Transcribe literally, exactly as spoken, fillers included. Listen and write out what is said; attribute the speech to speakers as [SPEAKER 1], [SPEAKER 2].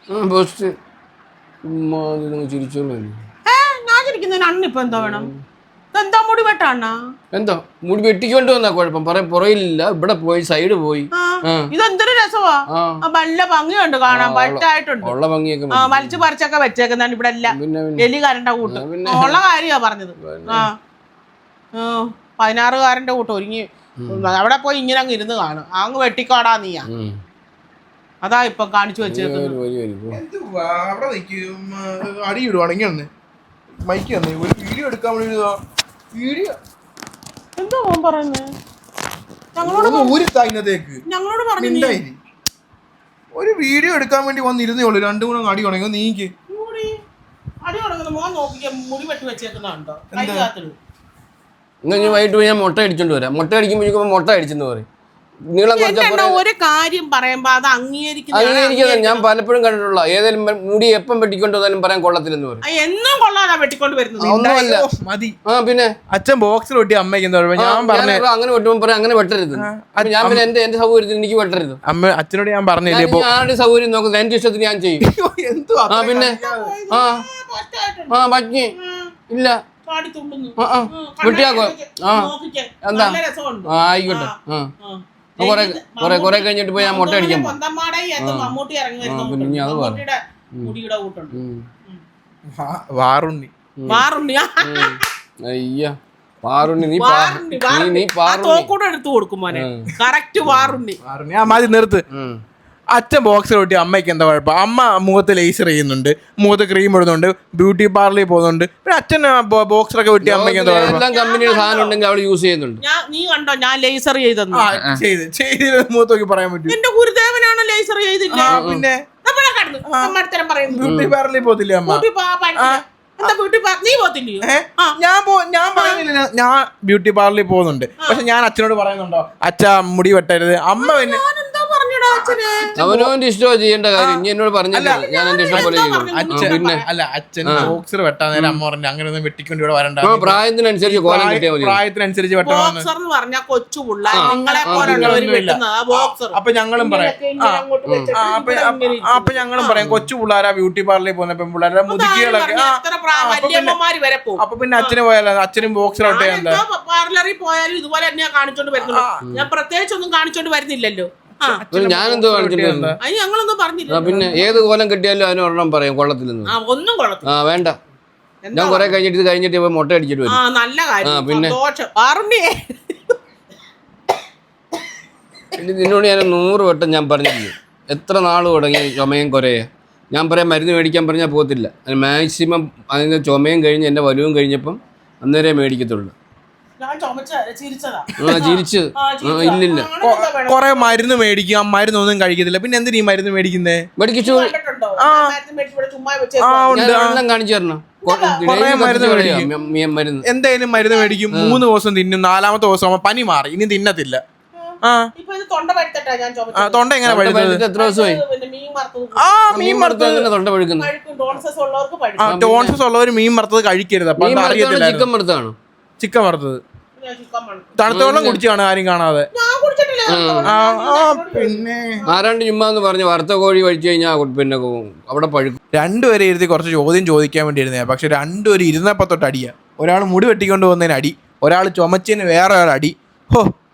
[SPEAKER 1] ഞാൻ ചിരിക്കുന്നതിന് അണ്ണിപ്പോ എന്താ വേണം? എന്താ മുടി വെട്ടാണ?
[SPEAKER 2] എന്താ മുടി വെട്ടിക്കൊണ്ട് വന്നാ കുഴപ്പം പറയാൻ പുറയിലില്ല, ഇവിടെ പോയി സൈഡ് പോയി.
[SPEAKER 1] ഇതെന്തൊരു രസമാ, നല്ല ഭംഗിയുണ്ട് കാണാൻ, പറ്റായിട്ടുണ്ട്.
[SPEAKER 2] ഉള്ള ഭംഗിയൊക്കെ
[SPEAKER 1] വലിച്ചു പറിച്ചൊക്കെ വെച്ചേക്കുന്നതാണ് ഇവിടെ എല്ലാം. എലികാരന്റെ കൂട്ട് ഉള്ള കാര്യമാ പറഞ്ഞത്. ആ പതിനാറുകാരന്റെ കൂട്ട് ഒരുങ്ങി അവിടെ പോയി ഇങ്ങനെ അങ്ങ് ഇരുന്ന് കാണും. അങ്ങ് വെട്ടിക്കാടാ നീയാ, അതാ ഇപ്പൊ കാണിച്ചു വെച്ചേക്കുന്നത്.
[SPEAKER 3] വീഡിയോ എടുക്കാൻ വേണ്ടി
[SPEAKER 1] എന്തോ പറയുന്നത് ഞങ്ങളോട്
[SPEAKER 3] ഞങ്ങളോട് പറഞ്ഞു. ഒരു വീഡിയോ എടുക്കാൻ വേണ്ടി വന്നിരുന്നേ ഉള്ളൂ. രണ്ടു മൂന്ന് അടി ഉണങ്ങി നീക്ക്
[SPEAKER 1] അടി ഉണങ്ങുന്ന മോൻ നോക്കിക്കാൻ മുടി വെട്ടി വെച്ചേക്കുന്നുണ്ടോ?
[SPEAKER 2] വൈകിട്ട് ഞാൻ മുട്ട അടിച്ചോണ്ട് വരാം. മുട്ട അടിക്കുമ്പോഴേക്കും മുട്ട അടിച്ചെന്ന് പറയും. നീളം
[SPEAKER 1] ഒരു കാര്യം പറയുമ്പോ അത്
[SPEAKER 2] അംഗീകരിക്കുന്നത് ഞാൻ പലപ്പോഴും കണ്ടിട്ടുള്ള. ഏതായാലും മുടി എപ്പം വെട്ടിക്കൊണ്ട് വന്നാലും പറയാൻ കൊള്ളത്തില്ലെന്ന് പറയും.
[SPEAKER 1] എന്നും കൊള്ളാനാ വെട്ടിക്കൊണ്ട് വരുന്നത്.
[SPEAKER 2] ഒന്നുമല്ല
[SPEAKER 3] മതി.
[SPEAKER 2] ആ പിന്നെ
[SPEAKER 3] അച്ഛൻ ബോക്സിൽ വെട്ടി അമ്മയ്ക്ക് ഞാൻ പറഞ്ഞു
[SPEAKER 2] അങ്ങനെ വെട്ടുമ്പോൾ പറയാം അങ്ങനെ വെട്ടരുത്. ഞാൻ പിന്നെ എന്റെ എന്റെ സൗകര്യത്തിന് എനിക്ക് വെട്ടരുത്.
[SPEAKER 3] അമ്മ അച്ഛനോട് ഞാൻ പറഞ്ഞില്ലേ
[SPEAKER 2] ആരുടെ സൗകര്യം നോക്കുന്നത് എന്റെ ഇഷ്ടത്തിന് ഞാൻ ചെയ്യും. ആ പിന്നെ ആ ആ ഭംഗി ഇല്ല വെട്ടിയാക്കോ. ആ എന്താ ആയിക്കോട്ടെ. ആ കൊറേ കൊറേ കൊറേ കഴിഞ്ഞിട്ട് പോയി ഞാൻ മുട്ട അടിക്കാൻ പിന്നെ അത്
[SPEAKER 3] വാറുണ്ണി
[SPEAKER 2] അയ്യ പാറുണ്ണി നീ നീ
[SPEAKER 1] എടുത്തു കൊടുക്കും മോനെ. കറക്റ്റ് വാറുണ്ണി
[SPEAKER 3] വാറുണ്ണി. ആ മതി നിർത്ത്. അച്ഛൻ ബോക്സിൽ ഒട്ടി അമ്മയ്ക്ക് എന്താ കുഴപ്പം? അമ്മ മുഖത്ത് ലേസർ ചെയ്യുന്നുണ്ട്, മുഖത്ത് ക്രീം ഇടുന്നുണ്ട്, ബ്യൂട്ടി പാർലറിൽ പോകുന്നുണ്ട്. പിന്നെ അച്ഛൻ ബോക്സിലൊക്കെ വെട്ടി അമ്മയ്ക്ക് എന്താ കുഴപ്പം?
[SPEAKER 2] കമ്പനിയുടെ സാധനം ഉണ്ടെങ്കിൽ അവൾ യൂസ് ചെയ്യുന്നുണ്ട്.
[SPEAKER 1] നീ കണ്ടോ ഞാൻ ലേസർ ചെയ്തെന്ന്?
[SPEAKER 3] ചെയ്ത് ചെയ്ത് മുഖത്ത് നോക്കി പറയാൻ പറ്റും.
[SPEAKER 1] എന്റെ ഗുരുദേവനാണ് ലേസർ ചെയ്തില്ല.
[SPEAKER 3] പിന്നെ
[SPEAKER 1] ബ്യൂട്ടി
[SPEAKER 3] പാർലറിൽ പോകത്തില്ലേ അമ്മ? ഞാൻ ഞാൻ പറയുന്നില്ല ഞാൻ ബ്യൂട്ടി പാർലറിൽ പോകുന്നുണ്ട്. പക്ഷെ ഞാൻ അച്ഛനോട് പറയുന്നുണ്ടോ അച്ഛാ മുടി വെട്ടരുത്? അമ്മ പിന്നെ
[SPEAKER 2] അവനവന്റെ ഇഷ്ടമാണ് ചെയ്യേണ്ട കാര്യം. ഇനി എന്നോട് പറഞ്ഞില്ല, ഞാൻ എന്റെ ഇഷ്ടം പോലെ ചെയ്യും.
[SPEAKER 3] പിന്നെ അല്ല അച്ഛൻ ബോക്സർ വെട്ടാൻ നേരം അമ്മ പറഞ്ഞു അങ്ങനെ ഒന്നും വെട്ടിക്കൊണ്ട് ഇവിടെ വരണ്ട,
[SPEAKER 2] പ്രായത്തിനനുസരിച്ച് കോലം കിട്ടിയാൽ മതി.
[SPEAKER 3] പ്രായത്തിനനുസരിച്ച് വെട്ടണം. അപ്പൊ ഞങ്ങളും പറയാം അപ്പൊ ഞങ്ങളും പറയാം കൊച്ചു പിള്ളേരാ ബ്യൂട്ടി പാർലറിൽ പോകുന്ന പെൺപിള്ളേരെ മുതുക്കികളൊക്കെ. അപ്പൊ പിന്നെ അച്ഛന് പോയാലോ? അച്ഛനും ബോക്സർ വെട്ടേ
[SPEAKER 1] പാർലറിൽ പോയാലും ഇതുപോലെ തന്നെയാ കാണിച്ചോണ്ട് വരുന്നത്. ഞാൻ പ്രത്യേകിച്ച് ഒന്നും കാണിച്ചോണ്ട് വരുന്നില്ലല്ലോ.
[SPEAKER 2] ഞാനെന്തോ കാണിച്ചിട്ടുണ്ട്. പിന്നെ ഏത് കോലം കിട്ടിയാലും അതിന് ഒരെണ്ണം പറയും കൊള്ളത്തില്ലെന്ന്.
[SPEAKER 1] ഒന്നും കൊള്ളത്തില്ല.
[SPEAKER 2] ആ വേണ്ട, ഞാൻ കൊറേ കഴിഞ്ഞിട്ട് ഇത് കഴിഞ്ഞിട്ട് ഇപ്പൊ മുട്ട അടിച്ചിട്ട് വരും.
[SPEAKER 1] നല്ല കാര്യം.
[SPEAKER 2] പിന്നെ നിന്നോട് ഞാൻ നൂറ് വട്ടം ഞാൻ പറഞ്ഞില്ലേ എത്ര നാൾ തുടങ്ങി ചുമയും കുറയെ. ഞാൻ പറയാം മരുന്ന് മേടിക്കാൻ പറഞ്ഞാൽ പോകത്തില്ല. മാക്സിമം അതിൻ്റെ ചുമയും കഴിഞ്ഞ് എൻ്റെ വലുവും കഴിഞ്ഞപ്പം അന്നേരേ മേടിക്കത്തുള്ളൂ. ചിരിച്ച് ഇല്ലില്ല
[SPEAKER 3] കൊറേ മരുന്ന് മേടിക്കും, മരുന്നൊന്നും കഴിക്കത്തില്ല. പിന്നെ എന്തിനാ ഈ മരുന്ന് മേടിക്കുന്നേ?
[SPEAKER 2] മേടിച്ചു കാണിച്ചു തരണം.
[SPEAKER 3] എന്തായാലും മരുന്ന് മേടിക്കും, മൂന്ന് ദിവസം തിന്നും, നാലാമത്തെ ദിവസം പനി മാറി ഇനി തിന്നത്തില്ല. തൊണ്ട എങ്ങനെ പഴുത്തത്?
[SPEAKER 2] എത്ര ദിവസമായി?
[SPEAKER 3] ആ മീൻ വറുത്തത് തൊണ്ട പഴുക്കുന്നത്. ടോൺസസ് ഉള്ളവർ മീൻ വറുത്തത് കഴിക്കരുത്. അപ്പൊ അറിയത്തില്ല.
[SPEAKER 2] ചിക്കൻ വറുത്താണോ?
[SPEAKER 3] ചിക്കൻ വറുത്തത് തണുത്ത വെള്ളം കുടിച്ചാണ് ആരും കാണാതെ. പിന്നെ
[SPEAKER 2] ആരാണ്ട് ചുമ്മാ എന്ന് പറഞ്ഞ് വറുത്ത കോഴി കഴിച്ചു കഴിഞ്ഞാൽ പിന്നെ അവിടെ പഴുക്കും.
[SPEAKER 3] രണ്ടുപേരെ ഇരുത്തി കുറച്ച് ചോദ്യം ചോദിക്കാൻ വേണ്ടി ഇരുന്നേ. പക്ഷെ രണ്ടുപേരും ഇരുന്നപ്പോ തൊട്ട് അടിയാ. ഒരാൾ മുടി വെട്ടിക്കൊണ്ട് പോകുന്നതിന് അടി, ഒരാൾ ചുമച്ചതിന് വേറെ ഒരാൾ അടി. ഹോ